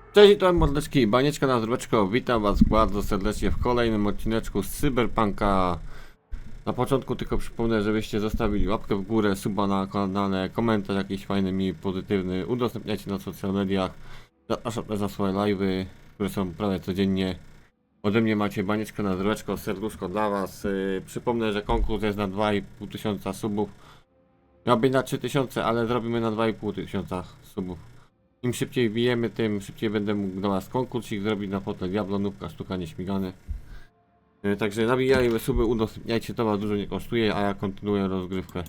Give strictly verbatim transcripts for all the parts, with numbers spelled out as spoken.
Cześć, to mordeczki, banieczka na zdróweczko, witam was bardzo serdecznie w kolejnym odcineczku z Cyberpunka. Na początku tylko przypomnę, żebyście zostawili łapkę w górę, suba na kanale, komentarz jakiś fajny mi, pozytywny, udostępniajcie na social mediach, zapraszam też na swoje live'y, które są prawie codziennie. Ode mnie macie banieczkę na zdróweczko, serduszko dla was. Yy, przypomnę, że konkurs jest na dwa i pół tysiąca subów. Miał być na trzy tysiące, ale zrobimy na dwa i pół tysiąca subów. Im szybciej wbijemy, tym szybciej będę mógł do was konkursik zrobić na fotel Diablo, nubka, sztuka nieśmigany. Yy, także nabijajmy suby, udostępniajcie, to was dużo nie kosztuje, a ja kontynuuję rozgrywkę.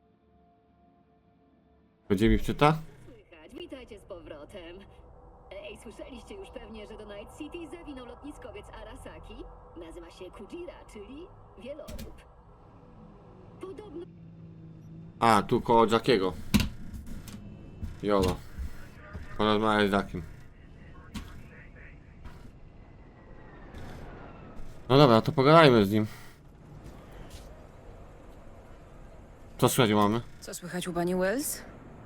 Będzie mi wczyta? Słychać, witajcie z powrotem. Ej, słyszeliście już pewnie, że do Night City zawinął lotniskowiec Arasaki? Nazywa się Kujira, czyli wielorób. Podobno A, tu koło Jackiego. Jolo. Porozmawiaj z Jackiem. No dobra, to pogadajmy z nim. Co słychać mamy? Co słychać u pani Wells?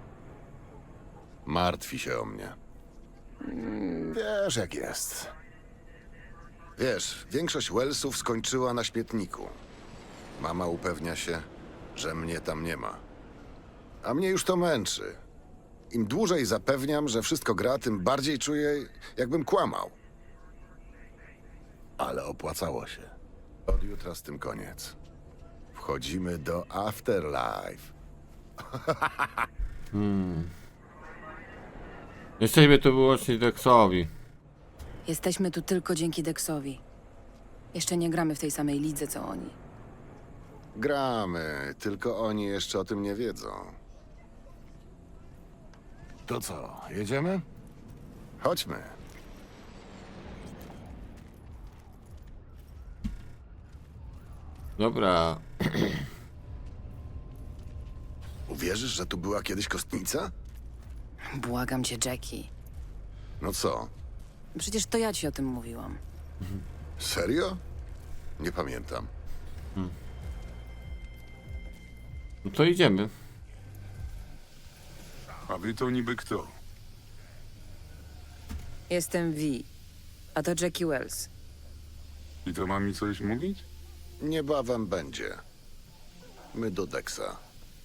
Martwi się o mnie. Wiesz, jak jest. Wiesz, większość Wellsów skończyła na śmietniku. Mama upewnia się, że mnie tam nie ma. A mnie już to męczy. Im dłużej zapewniam, że wszystko gra, tym bardziej czuję, jakbym kłamał. Ale opłacało się. Od jutra z tym koniec. Wchodzimy do Afterlife. Jesteśmy tu wyłącznie Dexowi. Jesteśmy tu tylko dzięki Dexowi. Jeszcze nie gramy w tej samej lidze, co oni. Gramy, tylko oni jeszcze o tym nie wiedzą. To co, jedziemy? Chodźmy. Dobra. Uwierzysz, że tu była kiedyś kostnica? Błagam cię, Jackie. No co, Przecież to ja ci o tym mówiłam. serio? Nie pamiętam. No to idziemy. A wy to niby kto? Jestem V, a to Jackie Wells. I to ma mi coś mówić? Niebawem będzie. My do Dexa.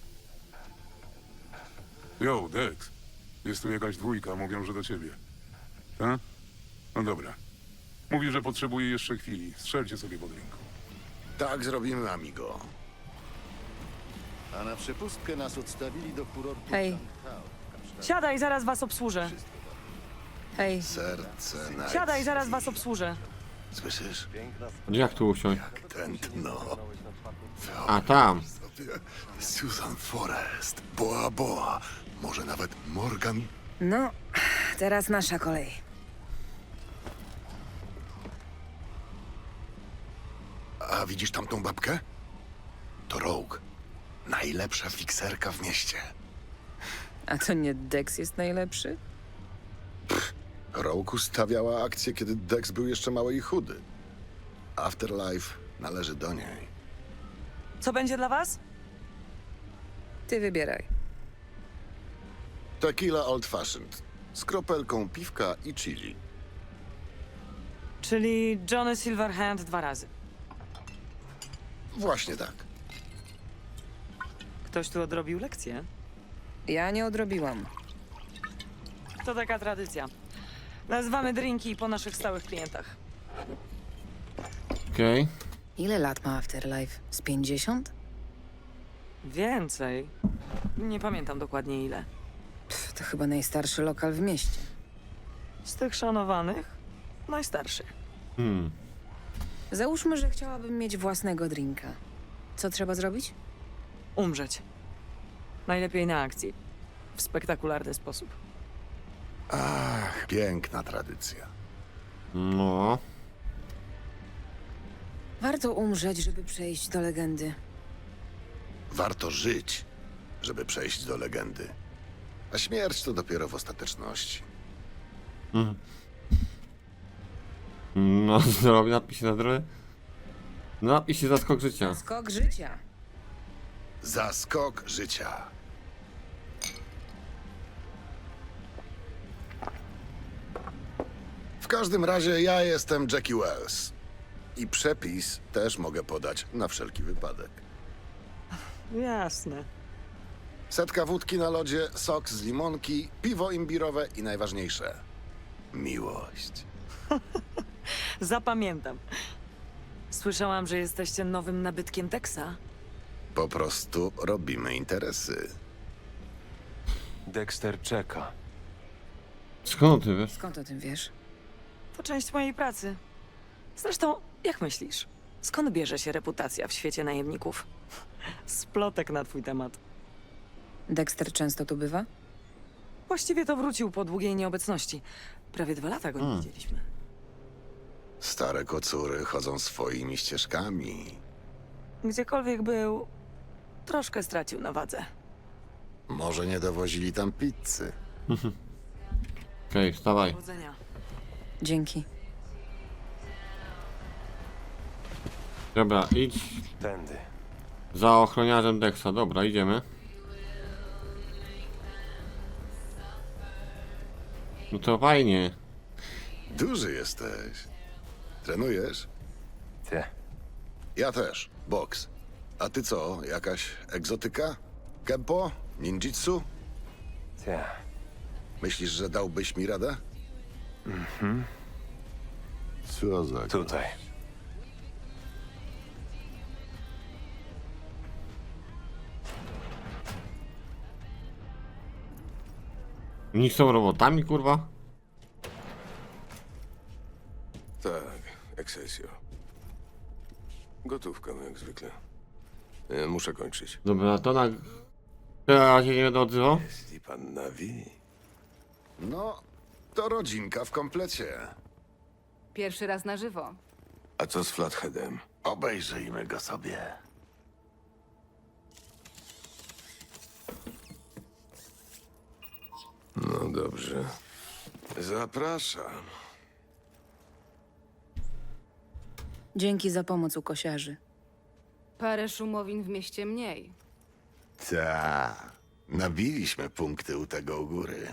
Jo, Dex. Jest tu jakaś dwójka, mówią, że do ciebie. Tak? No dobra. Mówi, że potrzebuje jeszcze chwili. Strzelcie sobie pod ręką. Tak zrobimy, amigo. A na przepustkę nas odstawili do kurortu. Hej. Siadaj, zaraz was obsłużę. Hej, Serce na... Siadaj, zaraz was obsłużę. Słyszysz? Jak tu usiąść? Tętno. A tam. Sobie Susan Forrest, Boa Boa, może nawet Morgan. no, teraz nasza kolej. A widzisz tamtą babkę? To Rogue. Najlepsza fikserka w mieście. A to nie Dex jest najlepszy? Rogue ustawiała akcję, kiedy Dex był jeszcze mały i chudy. Afterlife należy do niej. Co będzie dla was? Ty wybieraj. Tequila Old Fashioned. Z kropelką piwka i chili. Czyli Johnny Silverhand dwa razy. Właśnie tak. Ktoś tu odrobił lekcję? Ja nie odrobiłam. To taka tradycja. Nazywamy drinki po naszych stałych klientach. Okej. Ile lat ma Afterlife? Z pięćdziesiąt? Więcej. Nie pamiętam dokładnie ile. Pff, to chyba najstarszy lokal w mieście. Z tych szanowanych, najstarszy. Hmm. Załóżmy, że chciałabym mieć własnego drinka. Co trzeba zrobić? Umrzeć. Najlepiej na akcji. W spektakularny sposób. Ach, piękna tradycja. No. Warto umrzeć, żeby przejść do legendy. Warto żyć, żeby przejść do legendy. A śmierć to dopiero w ostateczności. No, zdrowie, napisz się na zdrowie. No, napisz się zaskok życia. Skok życia. Zaskok życia. każdym razie ja jestem Jackie Wells. I przepis też mogę podać na wszelki wypadek. Jasne. Setka wódki na lodzie, sok z limonki, piwo imbirowe i najważniejsze – miłość. Zapamiętam. Słyszałam, że jesteście nowym nabytkiem Texa. Po prostu robimy interesy. Dexter czeka. Skąd ty wiesz? Skąd o tym wiesz? To część mojej pracy. Zresztą, jak myślisz, skąd bierze się reputacja w świecie najemników? Splotek na twój temat. Dexter często tu bywa? Właściwie to wrócił po długiej nieobecności. Prawie dwa lata go nie Hmm. widzieliśmy. Stare kocury chodzą swoimi ścieżkami. Gdziekolwiek był, troszkę stracił na wadze. Może nie dowozili tam pizzy. Okej, wstawaj. Powodzenia. Dzięki. Dobra, idź Tędy. za ochroniarzem Dexa. Dobra, idziemy. No to fajnie. Duży jesteś. Trenujesz? Ty. Ja też. Boks. A ty co? Jakaś egzotyka? Kempo? Ninjitsu? Ty. Myślisz, że dałbyś mi radę? Mhm. Co za... Tutaj. Oni są robotami, kurwa? Tak, Excelsior. Gotówka, no jak zwykle. E, Muszę kończyć. Dobra, to na... Teraz się nie będę odzywał? Jeśli pan Navi... No, to rodzinka w komplecie. Pierwszy raz na żywo. A co z Flatheadem? Obejrzyjmy go sobie. No dobrze. Zapraszam. Dzięki za pomoc u kosiarzy. Parę szumowin w mieście mniej. Ta, nabiliśmy punkty u tego u góry.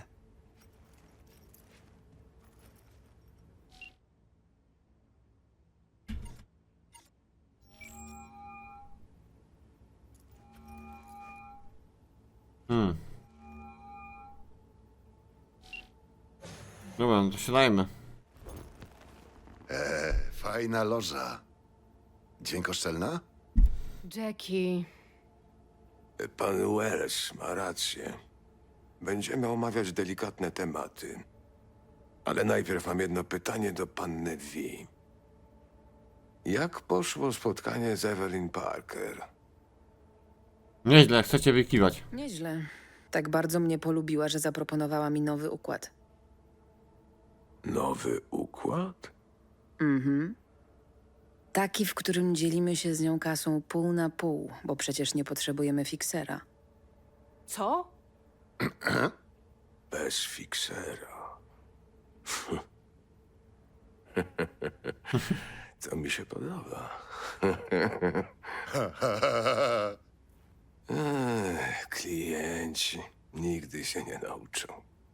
Hmm. Dobra, no to siadajmy. E, fajna loża. Dźwiękoszczelna? Jackie, Pan Wells ma rację. Będziemy omawiać delikatne tematy. Ale najpierw mam jedno pytanie do panny V. Jak poszło spotkanie z Evelyn Parker? Nieźle, chcecie wykiwać. Nieźle. Tak bardzo mnie polubiła, że zaproponowała mi nowy układ. Nowy układ? Mhm. Taki, w którym dzielimy się z nią kasą pół na pół, bo przecież nie potrzebujemy fiksera. co? Bez fiksera. To mi się podoba. Ech, klienci nigdy się nie nauczą.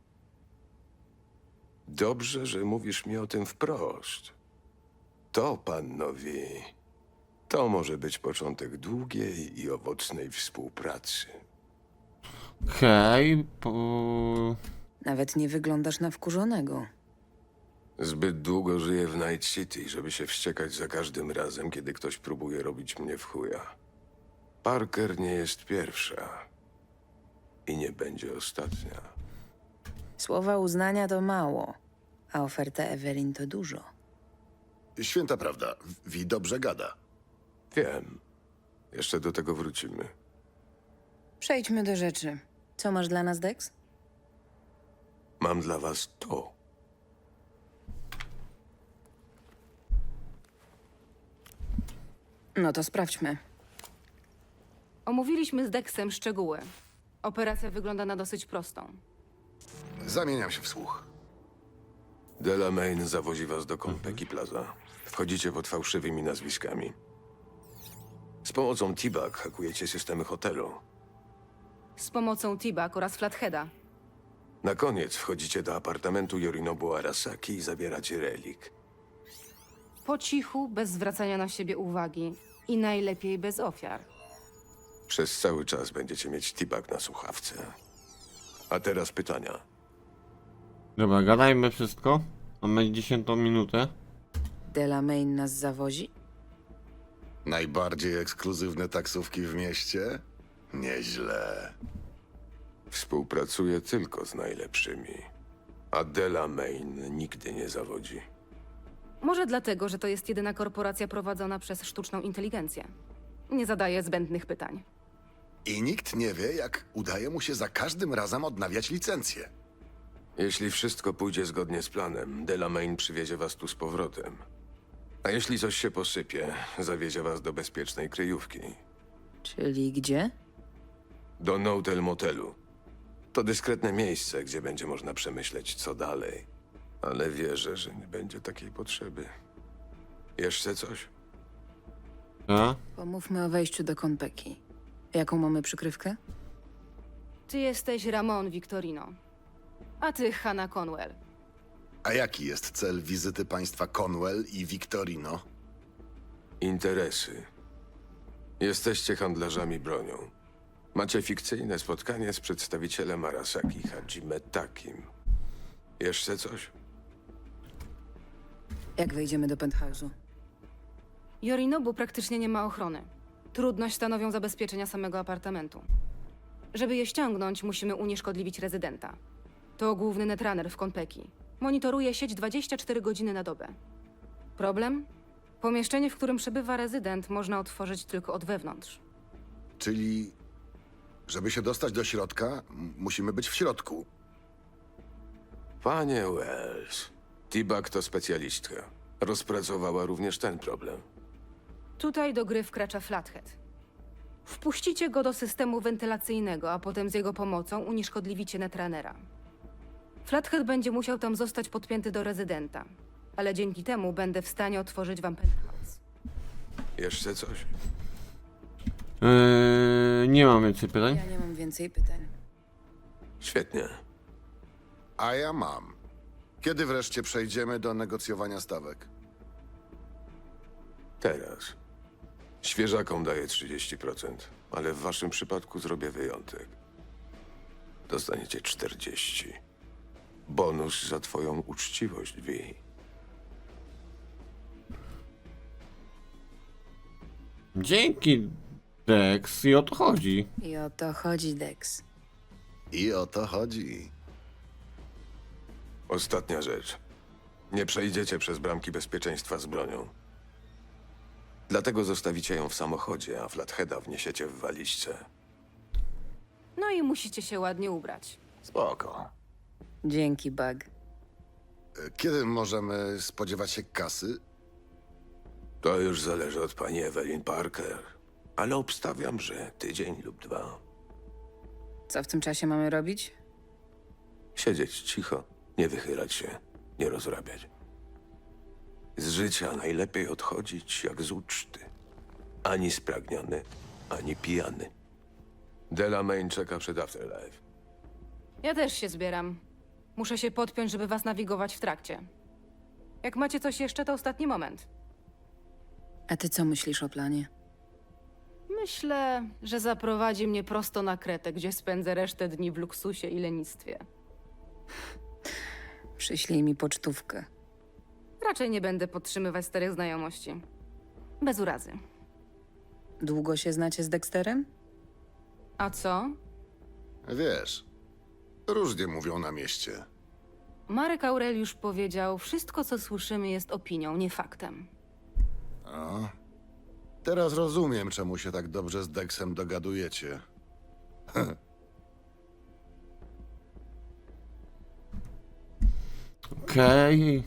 Dobrze, że mówisz mi o tym wprost. To, panowie, to może być początek długiej i owocnej współpracy. Okej, po... Nawet nie wyglądasz na wkurzonego. Zbyt długo żyję w Night City, żeby się wściekać za każdym razem, kiedy ktoś próbuje robić mnie w chuja. Parker nie jest pierwsza. I nie będzie ostatnia. Słowa uznania to mało, a oferta Evelyn to dużo. Święta prawda. Wi dobrze gada. Wiem. Jeszcze do tego wrócimy. Przejdźmy do rzeczy. Co masz dla nas, Dex? Mam dla was to. No to sprawdźmy. Omówiliśmy z Dexem szczegóły. Operacja wygląda na dosyć prostą. Zamieniam się w słuch. Delamain zawozi was do Konpeki Plaza. Wchodzicie pod fałszywymi nazwiskami. Z pomocą T-Bag hakujecie systemy hotelu. Z pomocą T-Bag oraz Flatheada. Na koniec wchodzicie do apartamentu Yorinobu Arasaki i zabieracie relik. Po cichu, bez zwracania na siebie uwagi. I najlepiej bez ofiar. Przez cały czas będziecie mieć T-Bag na słuchawce. A teraz pytania. Dobra, gadajmy wszystko. Mamy dziesiątą minutę. Delamain nas zawozi? Najbardziej ekskluzywne taksówki w mieście? Nieźle. Współpracuję tylko z najlepszymi. A Delamain nigdy nie zawodzi. Może dlatego, że to jest jedyna korporacja prowadzona przez sztuczną inteligencję. Nie zadaje zbędnych pytań. I nikt nie wie, jak udaje mu się za każdym razem odnawiać licencję. Jeśli wszystko pójdzie zgodnie z planem, Delamain przywiezie was tu z powrotem. A jeśli coś się posypie, zawiezie was do bezpiecznej kryjówki. Czyli gdzie? Do Notel Motelu. To dyskretne miejsce, gdzie będzie można przemyśleć, co dalej. Ale wierzę, że nie będzie takiej potrzeby. Jeszcze coś? A? Pomówmy o wejściu do Konpeki. Jaką mamy przykrywkę? Ty jesteś Ramon Victorino. A ty Hannah Conwell. A jaki jest cel wizyty państwa Conwell i Victorino? Interesy. Jesteście handlarzami bronią. Macie fikcyjne spotkanie z przedstawicielem Arasaki Hajime Takim. Jeszcze coś? Jak wejdziemy do penthouse'u? Yorinobu praktycznie nie ma ochrony. Trudność stanowią zabezpieczenia samego apartamentu. Żeby je ściągnąć, musimy unieszkodliwić rezydenta. To główny netrunner w Konpeki. Monitoruje sieć dwadzieścia cztery godziny na dobę. Problem? Pomieszczenie, w którym przebywa rezydent, można otworzyć tylko od wewnątrz. Czyli, żeby się dostać do środka, m- musimy być w środku. Panie Wells, T-Bag to specjalistka. Rozpracowała również ten problem. Tutaj do gry wkracza Flathead. Wpuścicie go do systemu wentylacyjnego, a potem z jego pomocą unieszkodliwicie netrunnera. Flathead będzie musiał tam zostać podpięty do rezydenta, ale dzięki temu będę w stanie otworzyć wam penthouse. Jeszcze coś? Yy, nie mam więcej pytań. Ja nie mam więcej pytań. Świetnie. A ja mam. Kiedy wreszcie przejdziemy do negocjowania stawek? Teraz. Świeżakom daję trzydzieści procent, ale w waszym przypadku zrobię wyjątek. Dostaniecie czterdzieści procent. Bonus za twoją uczciwość, Vi. Dzięki, Dex. I o to chodzi. I o to chodzi, Dex. I o to chodzi. Ostatnia rzecz. Nie przejdziecie przez bramki bezpieczeństwa z bronią. Dlatego zostawicie ją w samochodzie, a Flatheada wniesiecie w walizce. No i musicie się ładnie ubrać. Spoko. Dzięki, Bug. E, Kiedy możemy spodziewać się kasy? To już zależy od pani Evelyn Parker, ale obstawiam, że tydzień lub dwa. Co w tym czasie mamy robić? Siedzieć cicho, nie wychylać się, nie rozrabiać. Z życia najlepiej odchodzić jak z uczty. Ani spragniony, ani pijany. Delamain czeka przed Afterlife. Ja też się zbieram. Muszę się podpiąć, żeby was nawigować w trakcie. Jak macie coś jeszcze, to ostatni moment. A ty co myślisz o planie? Myślę, że zaprowadzi mnie prosto na Kretę, gdzie spędzę resztę dni w luksusie i lenistwie. Przyślij mi pocztówkę. Raczej nie będę podtrzymywać starych znajomości. Bez urazy. Długo się znacie z Dexterem? A co? Wiesz, różnie mówią na mieście. Marek Aureliusz powiedział, wszystko co słyszymy jest opinią, nie faktem. A? Teraz rozumiem, czemu się tak dobrze z Dexem dogadujecie. Okej.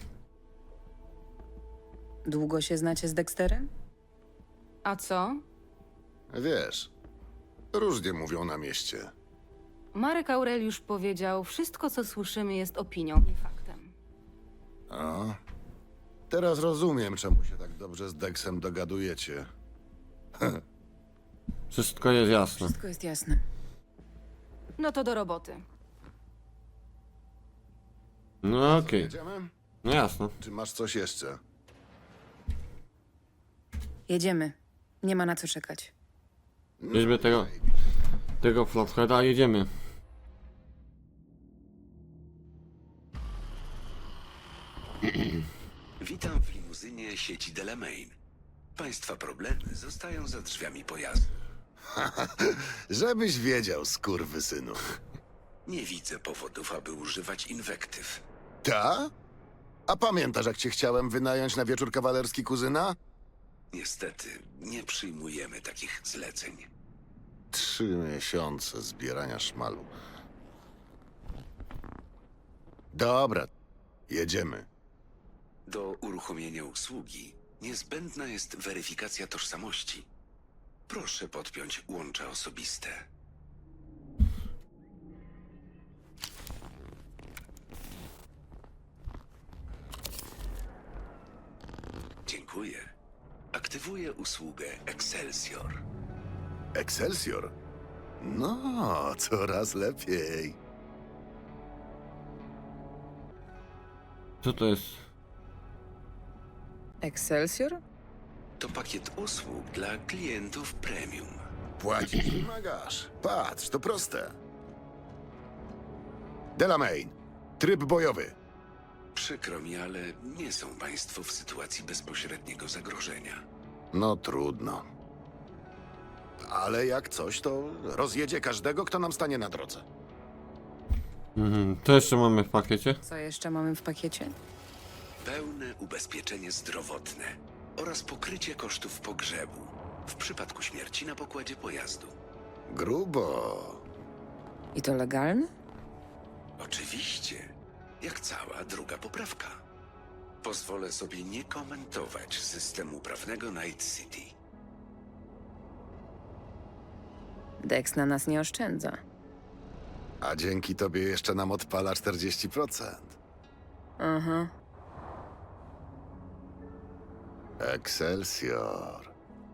Długo się znacie z Dexterem? A co? Wiesz, różnie mówią na mieście. Marek Aureliusz powiedział, wszystko co słyszymy jest opinią, nie faktem. A? Teraz rozumiem, czemu się tak dobrze z Dexem dogadujecie. Wszystko jest jasne. Wszystko jest jasne. No to do roboty. No okej, Jedziemy? no jasno. Czy masz coś jeszcze? Jedziemy. Nie ma na co czekać. Bierzmy tego, tego Flatheada, jedziemy. Witam w limuzynie sieci Delamain. Państwa problemy zostają za drzwiami pojazdu. Żebyś wiedział, skurwysynu. Nie widzę powodów, aby używać inwektyw. Ta? A pamiętasz, jak cię chciałem wynająć na wieczór kawalerski kuzyna? Niestety, nie przyjmujemy takich zleceń. Trzy miesiące zbierania szmalu. Dobra, jedziemy. Do uruchomienia usługi niezbędna jest weryfikacja tożsamości. Proszę podpiąć łącza osobiste. Dziękuję. Aktywuję usługę Excelsior. Excelsior? No, coraz lepiej. Co to jest? Excelsior? To pakiet usług dla klientów premium. Płacisz, wymagasz. Patrz, to proste. Delamain, tryb bojowy. Przykro mi, ale nie są państwo w sytuacji bezpośredniego zagrożenia. No trudno. Ale jak coś, to rozjedzie każdego, kto nam stanie na drodze. Mhm. Co jeszcze mamy w pakiecie? Co jeszcze mamy w pakiecie? Pełne ubezpieczenie zdrowotne oraz pokrycie kosztów pogrzebu w przypadku śmierci na pokładzie pojazdu. Grubo. I to legalne? Oczywiście, jak cała druga poprawka. Pozwolę sobie nie komentować systemu prawnego Night City. Dex na nas nie oszczędza. A dzięki tobie jeszcze nam odpala czterdzieści procent. Aha. Excelsior.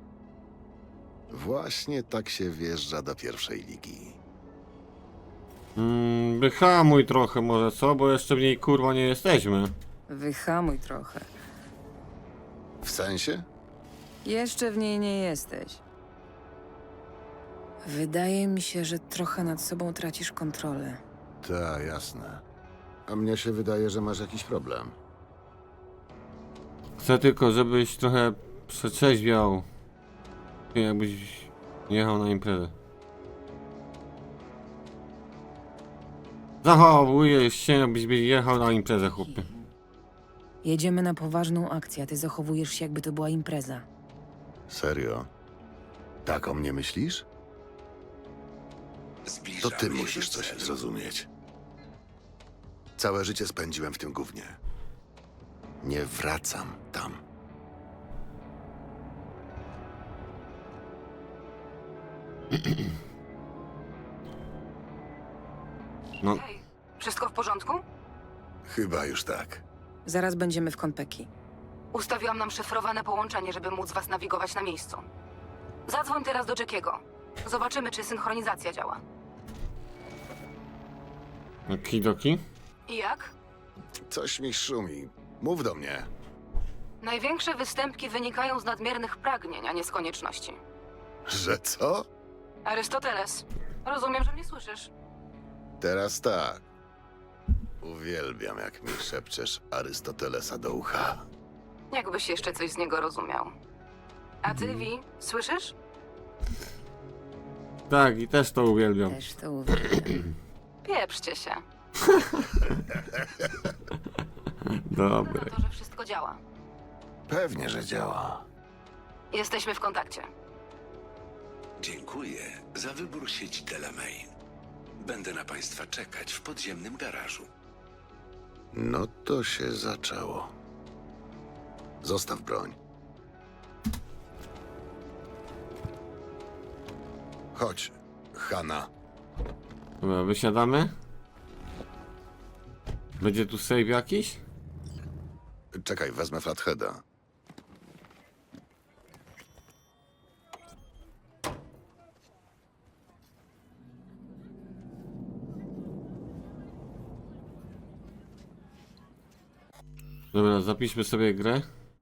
Właśnie tak się wjeżdża do pierwszej ligi. Mm, wyhamuj trochę może, co? Bo jeszcze w niej kurwa nie jesteśmy. Wyhamuj trochę. W sensie? Jeszcze w niej nie jesteś. Wydaje mi się, że trochę nad sobą tracisz kontrolę. Tak, jasne. A mnie się wydaje, że masz jakiś problem. Chcę tylko, żebyś trochę przetrzeźwiał. Jakbyś jechał na imprezę. Zachowujesz się, jakbyś jechał na imprezę, chłopie. Jedziemy na poważną akcję, a ty zachowujesz się, jakby to była impreza. Serio? Tak o mnie myślisz? To Zbliżamy ty się musisz do coś celu. zrozumieć. Całe życie spędziłem w tym gównie. Nie wracam tam. No, Hej, wszystko w porządku? Chyba już tak. Zaraz będziemy w Konpeki. Ustawiłam nam szyfrowane połączenie, żeby móc was nawigować na miejscu. Zadzwoń teraz do Jackiego. Zobaczymy, czy synchronizacja działa. okidoki. I jak? Coś mi szumi. Mów do mnie. Największe występki wynikają z nadmiernych pragnień, a nie z konieczności. Że co? Arystoteles, rozumiem, że mnie słyszysz. Teraz tak. Uwielbiam, jak mi szepczesz Arystotelesa do ucha. Jakbyś jeszcze coś z niego rozumiał. A ty, Vi, słyszysz? Tak, i też to uwielbiam. Też to uwielbiam. Pieprzcie się. Dobre. Na to, że wszystko działa. Pewnie, że działa. Jesteśmy w kontakcie. Dziękuję za wybór sieci Delamain. Będę na państwa czekać w podziemnym garażu. No to się zaczęło. Zostaw broń. Chodź, Hanna. Dobra, wysiadamy. Będzie tu save jakiś? Czekaj, wezmę Flatheada. Dobra, zapiszmy sobie grę.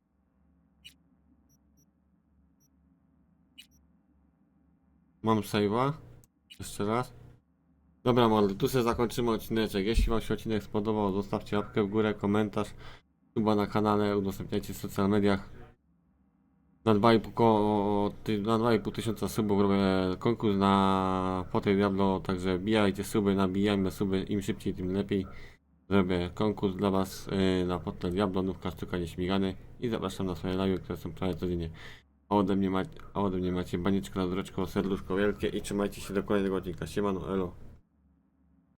Mam save'a. Jeszcze raz. Dobra, mordy, tu sobie zakończymy odcineczek. Jeśli wam się odcinek spodobał, zostawcie łapkę w górę, komentarz, suba na kanale, udostępniajcie w social mediach. Na dwa i pół ko- ty- na dwa i pół tysiąca subów robię konkurs na Potem Diablo, także bijajcie suby, nabijajmy suby, im szybciej tym lepiej. Zrobię konkurs dla was yy, na Potem Diablo, nówka sztuka nieśmigany i zapraszam na swoje live, które są prawie codziennie. A ode mnie, ma- a ode mnie macie banieczkę na dreczko, serduszko wielkie i trzymajcie się do kolejnego odcinka. Siemano, elo.